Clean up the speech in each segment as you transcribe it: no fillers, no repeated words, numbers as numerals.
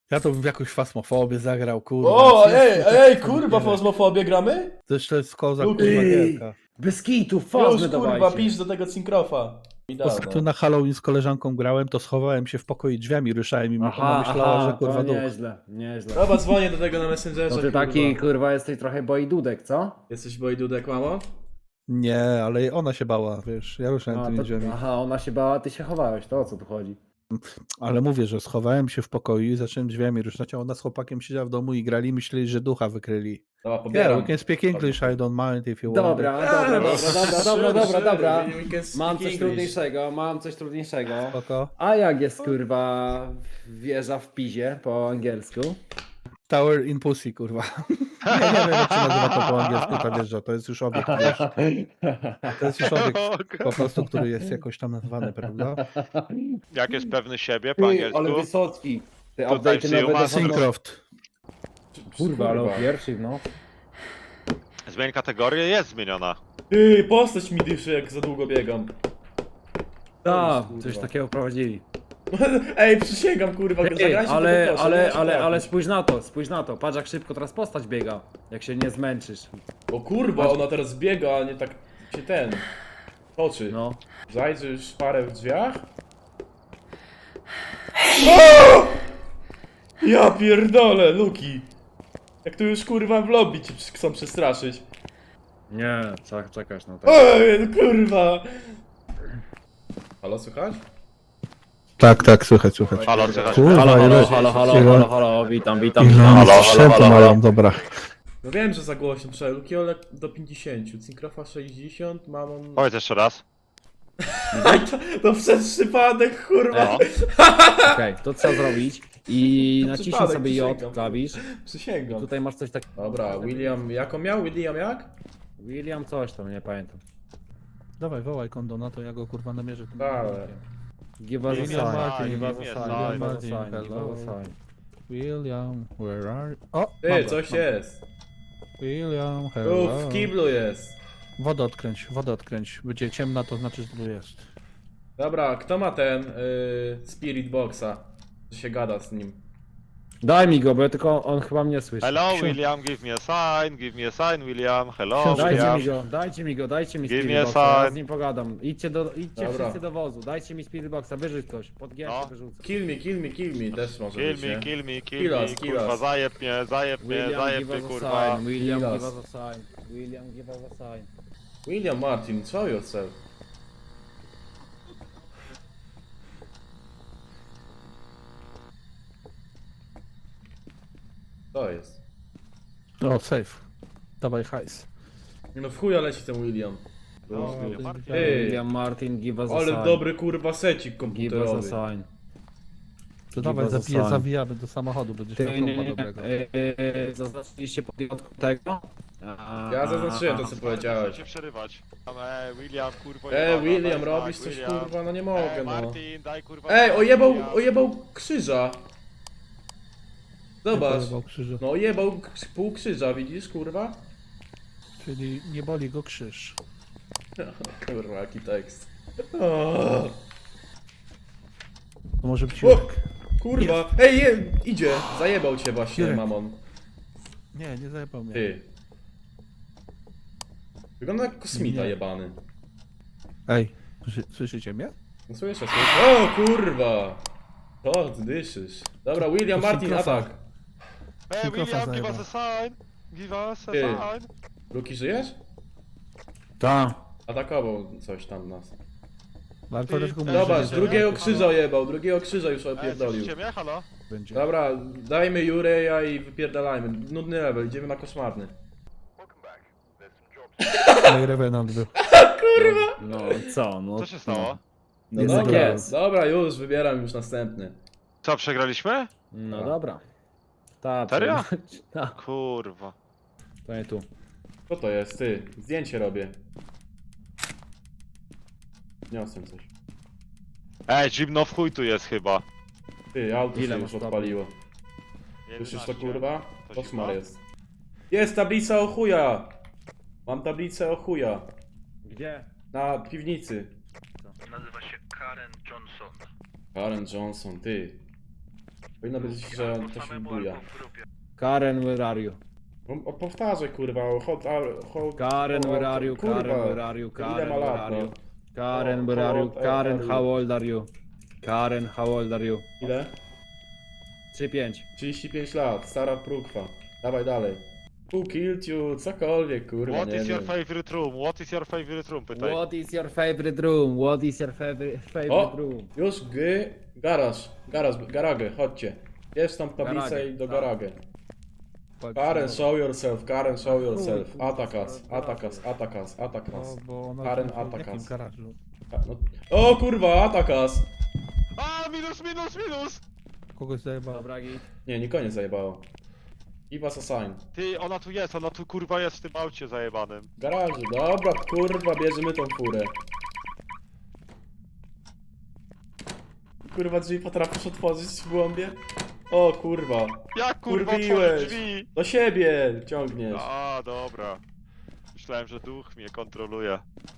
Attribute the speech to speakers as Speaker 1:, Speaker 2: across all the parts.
Speaker 1: Ja to bym w jakąś fasmofobię zagrał, kurwa.
Speaker 2: O,
Speaker 1: Jest to
Speaker 2: ej,
Speaker 1: tak
Speaker 2: kurwa,
Speaker 1: wiele.
Speaker 2: fazmofobię gramy?
Speaker 1: To jest kozak,
Speaker 2: Ej,
Speaker 1: kurwa, gierka.
Speaker 3: Bez kitu,
Speaker 2: Już,
Speaker 3: fazmy
Speaker 2: kurwa,
Speaker 3: dawajcie.
Speaker 2: pisz do tego Cinkrofa. I dawaj.
Speaker 1: Ostatnio na Halloween z koleżanką grałem, to schowałem się w pokoju i drzwiami ruszałem i ona myślała, że kurwa
Speaker 3: to
Speaker 1: duch.
Speaker 3: nieźle, nieźle.
Speaker 2: Dobra, dzwonię do tego na Messengerze,
Speaker 3: No ty
Speaker 2: kurwa.
Speaker 3: taki, kurwa, jesteś trochę bojdudek, co?
Speaker 2: Jesteś bojdudek, mamo?
Speaker 1: Nie, ale ona się bała, wiesz, ja ruszałem tymi drzwiami.
Speaker 3: Aha, ona się bała, ty się chowałeś, to o co tu chodzi?
Speaker 1: Ale mówię, że schowałem się w pokoju i zacząłem drzwiami ruszać, a ona z chłopakiem siedziała w domu i grali i myśleli, że ducha wykryli.
Speaker 2: Dobra,
Speaker 1: Yeah,
Speaker 2: pobieram.
Speaker 1: we can speak English, I don't mind if you want.
Speaker 3: Dobra, Mam coś trudniejszego,
Speaker 1: Spoko.
Speaker 3: A jak jest, kurwa, wieża w pizie po angielsku?
Speaker 1: Tower in pussy, kurwa. Nie wiem, jak się nazywa to po angielsku, ta wieża, to jest już obiekt, wiesz. To jest już obiekt po prostu, który jest jakoś tam nazwany, prawda?
Speaker 4: Jak jest pewny siebie po
Speaker 3: Ty,
Speaker 4: angielsku?
Speaker 3: ale Wysocki. Ty
Speaker 4: Tutaj
Speaker 3: update'y
Speaker 4: przyjął
Speaker 3: nowe
Speaker 4: masę.
Speaker 3: dochodzą.
Speaker 1: Syncroft.
Speaker 3: Kurwa, ale o pierwszy, no.
Speaker 4: Zmień kategorię, jest zmieniona.
Speaker 2: Ty, postać mi dyszy, jak za długo biegam.
Speaker 3: Tak,
Speaker 2: kurwa.
Speaker 3: coś takiego prowadzili.
Speaker 2: Ej, przysięgam, kurwa,
Speaker 3: Ej,
Speaker 2: zagrajcie
Speaker 3: ale,
Speaker 2: to, proszę,
Speaker 3: ale,
Speaker 2: nie
Speaker 3: ale,
Speaker 2: się
Speaker 3: ale
Speaker 2: trafić.
Speaker 3: spójrz na to, patrz jak szybko teraz postać biega, jak się nie zmęczysz.
Speaker 2: O kurwa, ona teraz biega, a nie tak się ten... toczy.
Speaker 3: No.
Speaker 2: Zajrzysz parę w drzwiach? O! Ja pierdolę, Luki. Jak tu już kurwa w lobby cię chcą przestraszyć.
Speaker 3: Nie, czekasz na to.
Speaker 2: Ej, no kurwa. Halo, słychać?
Speaker 1: Tak, słychać.
Speaker 4: Halo, słychać?
Speaker 1: Kurwa, ile-
Speaker 3: halo, witam.
Speaker 1: Ile
Speaker 4: Halo,
Speaker 1: oni sprzętu
Speaker 4: halo.
Speaker 1: mają, dobra.
Speaker 2: No wiem, że za głośno, przecież Luki Olek do 50, Cinkrofa 60, Mamon...
Speaker 4: Powiedz jeszcze raz.
Speaker 2: To przez przypadek, kurwa.
Speaker 4: No.
Speaker 3: Okej, to trzeba zrobić i
Speaker 2: To
Speaker 3: naciśnij
Speaker 2: przypadek,
Speaker 3: sobie J
Speaker 2: przysięgam.
Speaker 3: klawisz.
Speaker 2: Przysięgam.
Speaker 3: Tutaj masz coś takiego.
Speaker 2: Dobra, William, jak on miał? William jak?
Speaker 3: William coś tam, nie pamiętam.
Speaker 1: Dawaj, wołaj kondona, to ja go kurwa namierzę. tym
Speaker 2: Dawaj.
Speaker 1: kondonkiem.
Speaker 3: Give us a
Speaker 1: William
Speaker 3: sign,
Speaker 1: Martin,
Speaker 3: give us a
Speaker 4: give
Speaker 3: sign,
Speaker 4: me a
Speaker 3: give us a
Speaker 1: sign.
Speaker 3: sign, give us a sign.
Speaker 1: William, where are you? O,
Speaker 2: Ty,
Speaker 1: mam go,
Speaker 2: coś
Speaker 1: mam.
Speaker 2: jest.
Speaker 1: William,
Speaker 2: Tu
Speaker 1: hello.
Speaker 2: w kiblu jest.
Speaker 1: Wodę odkręć. Będzie ciemna, to znaczy, że tu jest.
Speaker 2: Dobra, kto ma ten Spirit Boxa? Że się gada z nim.
Speaker 3: Daj mi go, bo tylko on chyba mnie słyszy.
Speaker 4: Hello,
Speaker 1: Książ-
Speaker 4: William, give me a sign, William. Hello,
Speaker 1: Książkę
Speaker 4: William.
Speaker 3: Dajcie mi
Speaker 4: Give me
Speaker 3: Spirit
Speaker 4: a
Speaker 3: Boxa, ja
Speaker 4: sign.
Speaker 3: z nim pogadam. Idźcie
Speaker 2: Dobra.
Speaker 3: wszyscy do wozu, dajcie mi Spirit Boxa, wyrzuć coś, pod G
Speaker 4: No.
Speaker 3: wyrzucę.
Speaker 2: Kill me, też może
Speaker 4: Kill
Speaker 2: być,
Speaker 4: me,
Speaker 2: nie?
Speaker 4: kill me,
Speaker 2: Kill us, kill
Speaker 4: kurwa,
Speaker 2: us.
Speaker 4: zajeb mnie, zajeb
Speaker 3: William,
Speaker 4: mnie,
Speaker 3: give us a
Speaker 4: kurwa.
Speaker 3: sign, William,
Speaker 2: Kill
Speaker 3: give
Speaker 2: us.
Speaker 3: us a sign, William, give us a sign.
Speaker 2: William Martin, show yourself. To jest.
Speaker 1: O, safe. Dawaj hajs.
Speaker 2: Nie no w chuja leci ten William.
Speaker 4: No,
Speaker 1: Ej.
Speaker 4: Martin.
Speaker 2: Ej,
Speaker 3: William Martin, give us a sign.
Speaker 2: ale dobry kurwa secik
Speaker 3: Give us a
Speaker 2: komputerowy.
Speaker 3: sign.
Speaker 1: To dawaj,
Speaker 3: us a sign.
Speaker 1: zawijamy do samochodu, będziesz miał kompa dobrego.
Speaker 3: Zaznaczyliście podjątku tego?
Speaker 2: Ja zaznaczyłem to co powiedziałeś.
Speaker 4: Cię przerywać. William, kurwa.
Speaker 2: William,
Speaker 4: daj
Speaker 2: robisz
Speaker 4: znak,
Speaker 2: coś
Speaker 4: William.
Speaker 2: kurwa, no nie mogę no.
Speaker 4: Martin, daj kurwa.
Speaker 2: Ej,
Speaker 4: znak,
Speaker 2: ojebał,
Speaker 4: William.
Speaker 2: ojebał krzyża. Zobacz.
Speaker 1: Pojebał krzyża.
Speaker 2: No ojebał pół krzyża, widzisz kurwa?
Speaker 1: Czyli nie boli go krzyż.
Speaker 2: Kurwa, jaki tekst. O,
Speaker 1: To może być
Speaker 2: O!
Speaker 1: Jurek.
Speaker 2: kurwa, idzie, zajebał cię właśnie,
Speaker 1: Jurek.
Speaker 2: mamon.
Speaker 1: Nie zajebał mnie.
Speaker 2: Ty. Wygląda jak kosmita
Speaker 1: Nie.
Speaker 2: jebany.
Speaker 1: Ej, słyszycie mnie?
Speaker 2: No słyszę, słyszę. O kurwa! O, ty dyszysz. Dobra, William
Speaker 1: To
Speaker 2: Martin,
Speaker 1: Synkrofa.
Speaker 2: atak.
Speaker 4: William, give
Speaker 1: zajebał.
Speaker 4: us a sign. Give us a
Speaker 2: Ty.
Speaker 4: sign.
Speaker 2: Luki, żyjesz?
Speaker 3: Tak.
Speaker 2: Atakował coś tam nas.
Speaker 1: Ale to też
Speaker 2: Zobacz,
Speaker 4: Żyje,
Speaker 2: drugiego
Speaker 4: nie?
Speaker 2: krzyża ojebał, drugiego krzyża już
Speaker 4: Ej,
Speaker 2: opierdolił.
Speaker 4: słyszycie mnie? Halo?
Speaker 1: będzie.
Speaker 2: Dobra, dajmy Jureja i wypierdalajmy. Nudny level, idziemy na koszmarny.
Speaker 1: No i Revenant był.
Speaker 3: No co, no.
Speaker 4: Co się stało?
Speaker 2: No
Speaker 3: Jest
Speaker 2: dobra,
Speaker 3: jak jest.
Speaker 2: dobra, już wybieram już następny.
Speaker 4: Co, przegraliśmy?
Speaker 3: No dobra. Ta,
Speaker 4: Serio?
Speaker 3: Ta,
Speaker 4: Kurwa.
Speaker 3: to nie tu.
Speaker 2: Co to jest, ty? Zdjęcie robię. Niosłem coś.
Speaker 4: Ej, zimno w chuj tu jest chyba.
Speaker 2: Ty, auto
Speaker 3: Ile
Speaker 2: się
Speaker 3: masz
Speaker 2: już
Speaker 3: stopni?
Speaker 2: odpaliło. Słyszysz to
Speaker 4: 11.
Speaker 2: kurwa?
Speaker 4: To
Speaker 2: Koszmar
Speaker 4: zimno?
Speaker 2: jest. Jest tablica o chuja! Mam tablicę o chuja.
Speaker 3: Gdzie?
Speaker 2: Na piwnicy.
Speaker 5: Nazywa się Karen Johnson.
Speaker 2: Karen Johnson, ty. Powinno być, że to się buja.
Speaker 3: Karen, where are you?
Speaker 2: O, powtarzaj kurwa,
Speaker 3: Karen, where are you?
Speaker 2: Kurwa.
Speaker 3: Karen, where are you?
Speaker 2: Ile
Speaker 3: Karen,
Speaker 2: ma
Speaker 3: where
Speaker 2: lat,
Speaker 3: are you?
Speaker 2: no?
Speaker 3: Karen, where are you?
Speaker 2: How
Speaker 3: Karen,
Speaker 2: old are
Speaker 3: how
Speaker 2: you?
Speaker 3: old are you? Karen, how old are you?
Speaker 2: Ile?
Speaker 3: 3-5.
Speaker 2: 35 lat, stara prukwa. Dawaj dalej. Who killed you? Cokolwiek, kurwa,
Speaker 4: What
Speaker 2: nie
Speaker 4: is your
Speaker 2: wiem.
Speaker 4: favorite room? What is your favorite room? Pytaj.
Speaker 3: What is your favorite room? What is your favorite
Speaker 2: O!
Speaker 3: room?
Speaker 2: Już garage, chodźcie. Jest tam tablica
Speaker 3: Garage,
Speaker 2: i do
Speaker 3: tak.
Speaker 2: garage. Karen, show yourself, Karen, show yourself. Attack us, attack us, attack us, attack
Speaker 1: No,
Speaker 2: us.
Speaker 1: bo ona
Speaker 2: Karen
Speaker 1: w
Speaker 2: attack
Speaker 1: jakim
Speaker 2: us.
Speaker 1: garażu?
Speaker 2: No. O kurwa, attack us!
Speaker 4: A, minus, minus, minus!
Speaker 1: Kogoś zajebała.
Speaker 3: Dobra, git.
Speaker 2: Nie, nikogo nie zajebało. Give us a sign.
Speaker 4: Ty, ona tu kurwa jest w tym aucie zajebanym.
Speaker 2: W garażu, dobra, kurwa, bierzemy tą furę. Kurwa, drzwi potrafisz otworzyć w głąbie? O kurwa,
Speaker 4: Jak kurwa
Speaker 2: Kurwiłeś.
Speaker 4: otworzyć drzwi?
Speaker 2: do siebie ciągniesz.
Speaker 4: A, dobra. Myślałem, że duch mnie kontroluje.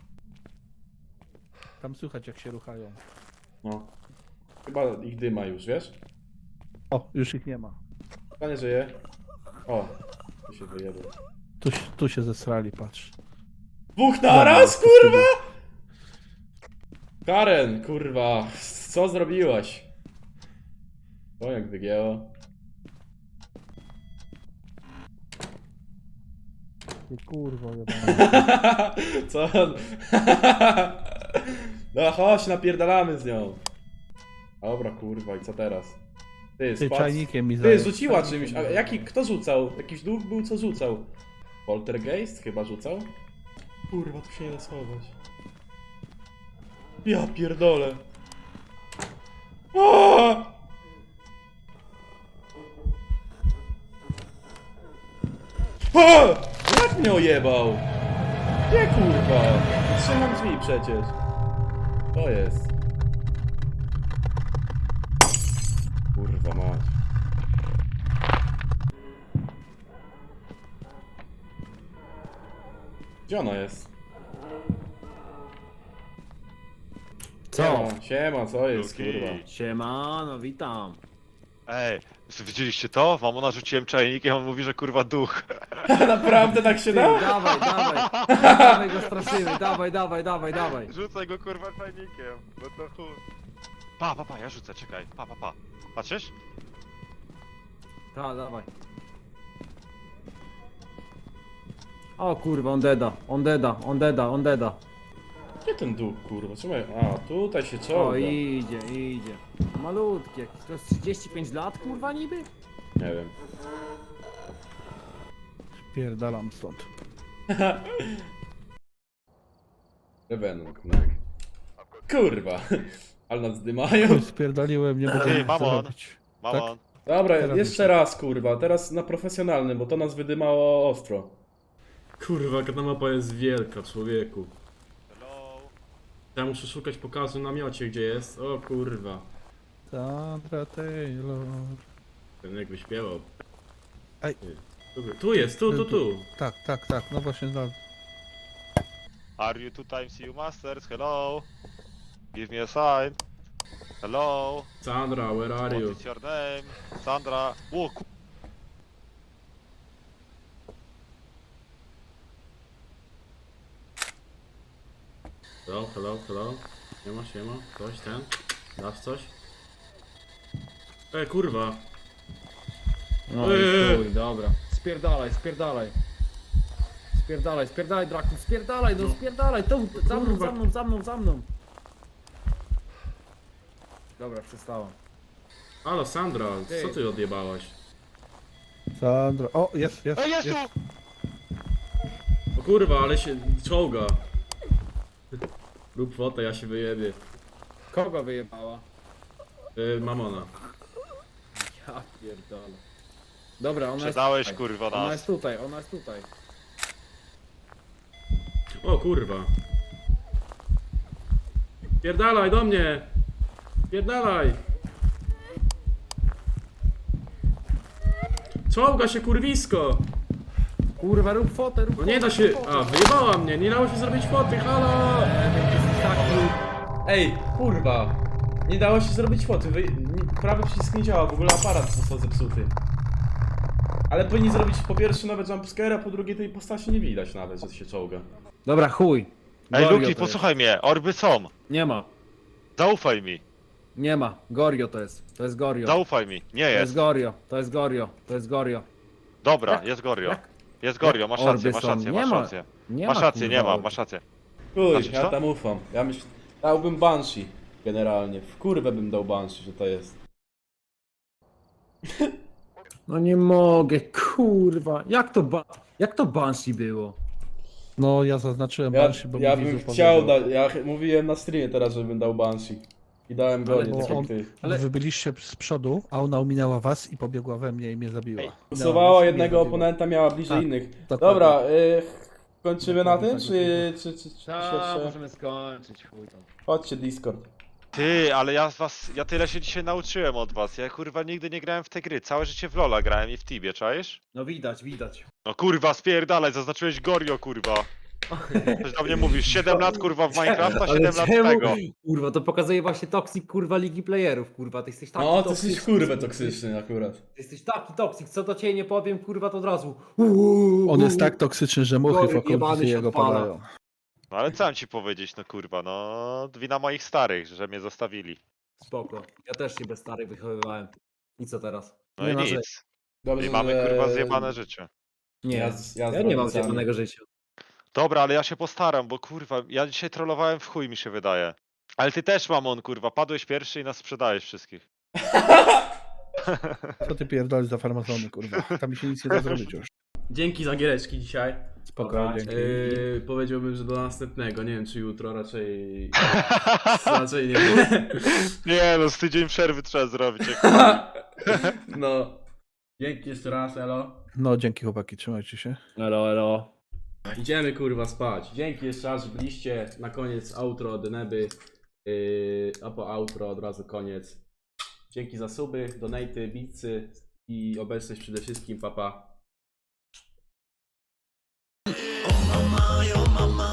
Speaker 1: Tam słychać jak się ruchają.
Speaker 2: No. Chyba ich dyma już, wiesz?
Speaker 1: O, już ich nie ma.
Speaker 2: Chyba nie żyje. O, tu się wyjebał.
Speaker 1: Tu się zesrali, patrz.
Speaker 2: Dwóch naraz, kurwa! Karen, kurwa, co zrobiłaś? O, jak wygięło.
Speaker 1: Ty kurwa, jebana.
Speaker 2: Co on? No chodź, napierdalamy z nią. Dobra, kurwa, i co teraz? Ty,
Speaker 1: Ty
Speaker 2: spadł.
Speaker 1: czajnikiem mi
Speaker 2: Ty,
Speaker 1: zaje-
Speaker 2: rzuciła
Speaker 1: czajnikiem
Speaker 2: czymś.
Speaker 1: mi
Speaker 2: A
Speaker 1: zaje-
Speaker 2: jaki, kto rzucał? Jakiś duch był, co rzucał? Poltergeist chyba rzucał? Kurwa, tu się nie da schować. Ja pierdolę. Aaaa! A! Jak mnie ojebał? Nie kurwa! Trzymam drzwi przecież. To jest. Kurwa mać. Gdzie ona jest?
Speaker 3: Co?
Speaker 2: Siema, co jest
Speaker 4: Luki.
Speaker 2: kurwa?
Speaker 3: Siemano, witam.
Speaker 4: Ej, widzieliście to? Mamona rzuciłem czajnikiem, on mówi, że kurwa duch.
Speaker 2: Naprawdę tak się
Speaker 3: Ty,
Speaker 2: da?
Speaker 3: dawaj, dawaj. Dawaj go straszymy, dawaj.
Speaker 4: Rzucaj go kurwa czajnikiem, no to chuj. Pa, ja rzucę, czekaj. Pa. Patrzysz?
Speaker 3: Tak, dawaj. O kurwa, on deda.
Speaker 2: Gdzie ten duch kurwa? Trzymaj. A, tutaj się
Speaker 3: O,
Speaker 2: czołga.
Speaker 3: idzie. Malutkie. To jest 35 lat, kurwa niby?
Speaker 2: Nie wiem.
Speaker 1: Pierdalam stąd.
Speaker 2: Revenant, tak. Kurwa. Ale nas dymają.
Speaker 1: Oj, spierdaliłem, nie mogę
Speaker 4: Ty,
Speaker 1: nic
Speaker 4: mamon.
Speaker 1: zrobić.
Speaker 4: Mamon.
Speaker 2: Dobra,
Speaker 1: Teraz
Speaker 2: jeszcze
Speaker 1: już.
Speaker 2: raz kurwa. Teraz na profesjonalnym, bo to nas wydymało ostro. Kurwa, ta mapa jest wielka, człowieku.
Speaker 4: Hello.
Speaker 2: Ja muszę szukać pokazu na miocie, gdzie jest. O kurwa.
Speaker 1: Sandra Taylor.
Speaker 2: Ten jak wyśpiewał.
Speaker 1: Ej.
Speaker 2: Tu jest, tu.
Speaker 1: Tak, no właśnie znalazłem.
Speaker 4: Are you 2 times you masters? Hello. Give me a sign. Hello.
Speaker 2: Sandra, where are
Speaker 4: What
Speaker 2: you?
Speaker 4: is your name? Sandra. O,
Speaker 2: Hello. Siema. Coś ten? Dasz coś? Kurwa.
Speaker 3: No i chuj, dobra. Spierdalaj. Spierdalaj, Draku, spierdalaj, tu, za mną. Dobra, przestałam.
Speaker 2: Halo Sandra,
Speaker 3: Ty.
Speaker 2: co ty odjebałaś?
Speaker 1: Sandra. O, jest.
Speaker 4: Ej, jest tu!
Speaker 2: O kurwa, ale się czołga. Rób fotę, ja się wyjebię.
Speaker 3: Kogo wyjebała?
Speaker 2: Mamona.
Speaker 3: Ja pierdolę. Dobra, ona jest
Speaker 4: Przedałeś
Speaker 3: tutaj.
Speaker 4: kurwa
Speaker 3: Ona
Speaker 4: nas.
Speaker 3: jest tutaj.
Speaker 2: O kurwa. Pierdalaj do mnie! Pierdalaj! Czołga się kurwisko!
Speaker 3: Kurwa, rób fotę.
Speaker 2: No nie da się... A, wyjebała mnie, nie dało się zrobić foty, halo!
Speaker 3: Jesteś taki...
Speaker 2: Ej, kurwa! Nie dało się zrobić foty, prawy przycisk nie działa, w ogóle aparat został zepsuty. Ale powinni zrobić po pierwsze nowe jumpscare, a po drugie tej postaci nie widać nawet, że się czołga.
Speaker 3: Dobra, chuj.
Speaker 4: Ej,
Speaker 3: Gorio
Speaker 4: Luki,
Speaker 3: to
Speaker 4: posłuchaj mnie, orby są.
Speaker 3: jest. Nie ma.
Speaker 4: Zaufaj mi,
Speaker 3: Nie ma. Gorio to jest. To jest Gorio.
Speaker 4: zaufaj mi. Nie
Speaker 3: To jest
Speaker 4: jest.
Speaker 3: Gorio. To jest Gorio. To jest Gorio.
Speaker 4: Dobra,
Speaker 3: Jak-
Speaker 4: jest Gorio.
Speaker 3: jak-
Speaker 4: Jest Gorio, masz
Speaker 3: orby
Speaker 4: rację, masz
Speaker 3: są?
Speaker 4: rację,
Speaker 3: Nie
Speaker 4: masz
Speaker 3: ma.
Speaker 4: rację.
Speaker 3: Nie
Speaker 4: Masz
Speaker 3: ma,
Speaker 4: rację,
Speaker 3: kurwa,
Speaker 4: nie ma,
Speaker 3: orby.
Speaker 4: masz rację.
Speaker 2: Uj,
Speaker 4: Znaczy,
Speaker 2: ja
Speaker 4: co?
Speaker 2: tam ufam. Ja myślę, dałbym Banshee generalnie. W kurwę bym dał Banshee, że to jest.
Speaker 3: No nie mogę, kurwa. Jak to Banshee było?
Speaker 1: No ja zaznaczyłem
Speaker 2: Ja,
Speaker 1: Banshee, bo
Speaker 2: ja
Speaker 1: mi
Speaker 2: bym
Speaker 1: widzu
Speaker 2: chciał
Speaker 1: powiedział.
Speaker 2: dać, ja mówiłem na streamie teraz, żebym dał Banshee. I dałem go,
Speaker 3: Ale
Speaker 2: nie
Speaker 1: bo
Speaker 2: tak jak
Speaker 1: on-
Speaker 2: ty.
Speaker 3: Ale-
Speaker 1: Wy byliście z przodu, a ona ominęła was i pobiegła we mnie i mnie zabiła.
Speaker 4: Ej,
Speaker 1: Minęła
Speaker 2: Głosowała
Speaker 1: was i mnie
Speaker 2: jednego
Speaker 1: zabiła.
Speaker 2: oponenta, miała bliżej
Speaker 1: Tak,
Speaker 2: innych.
Speaker 1: dokładnie.
Speaker 2: Dobra, kończymy na tym,
Speaker 1: Tak,
Speaker 2: czy się jeszcze...
Speaker 3: możemy skończyć, chuj tam.
Speaker 2: Chodźcie Discord.
Speaker 4: Ty, ale ja tyle się dzisiaj nauczyłem od was. Ja kurwa nigdy nie grałem w te gry. Całe życie w Lola grałem i w Tibie, czaisz?
Speaker 3: No widać, widać.
Speaker 4: No kurwa, spierdalaj, zaznaczyłeś Gorio, kurwa. Coś do mnie mówisz, 7 lat kurwa w Minecrafta, 7 lat tego.
Speaker 3: Kurwa, to pokazuje właśnie toksik, kurwa, Ligi Playerów, kurwa. Ty jesteś taki
Speaker 2: No, to
Speaker 3: toksyczny.
Speaker 2: jesteś kurwę toksyczny akurat.
Speaker 3: Ty jesteś taki toksik, co do ciebie nie powiem, kurwa, to od razu.
Speaker 1: On jest tak toksyczny, że muchy w
Speaker 3: Gory jebany
Speaker 1: okolicy
Speaker 3: się
Speaker 1: jego
Speaker 3: odpala.
Speaker 1: padają.
Speaker 4: No ale co mam ci powiedzieć, no kurwa, no wina moich starych, że mnie zostawili.
Speaker 3: Spoko. Ja też się bez starych wychowywałem. I co teraz?
Speaker 4: No
Speaker 3: Nie
Speaker 4: i
Speaker 3: ma
Speaker 4: nic.
Speaker 3: rzeczy.
Speaker 2: Dobrze,
Speaker 4: I mamy
Speaker 2: że-
Speaker 4: kurwa zjebane życie.
Speaker 3: Nie,
Speaker 2: Ja
Speaker 3: ja,
Speaker 2: z- ja z
Speaker 3: nie mam
Speaker 2: rodzicami.
Speaker 3: zjebanego życia.
Speaker 4: Dobra, ale ja się postaram, bo kurwa, ja dzisiaj trollowałem w chuj mi się wydaje. Ale ty też, mamon, kurwa, padłeś pierwszy i nas sprzedajesz wszystkich.
Speaker 1: Co ty pierdolisz za farmazony, kurwa? Tam się nic nie da zrobić już.
Speaker 2: Dzięki za giereczki dzisiaj.
Speaker 1: Spokojnie.
Speaker 3: Dobra,
Speaker 1: dzięki.
Speaker 2: Powiedziałbym, że do następnego. Nie wiem, czy jutro, raczej... raczej nie.
Speaker 4: Nie no, z tydzień przerwy trzeba zrobić. Jak...
Speaker 2: No. Dzięki jeszcze raz, elo.
Speaker 1: No dzięki chłopaki, trzymajcie się.
Speaker 3: Elo, elo.
Speaker 2: Idziemy kurwa spać. Dzięki jeszcze raz, że byliście. Na koniec outro od Neby. A po outro od razu koniec. Dzięki za suby, donaty, bitsy i obecność przede wszystkim, papa.
Speaker 5: Oh mama,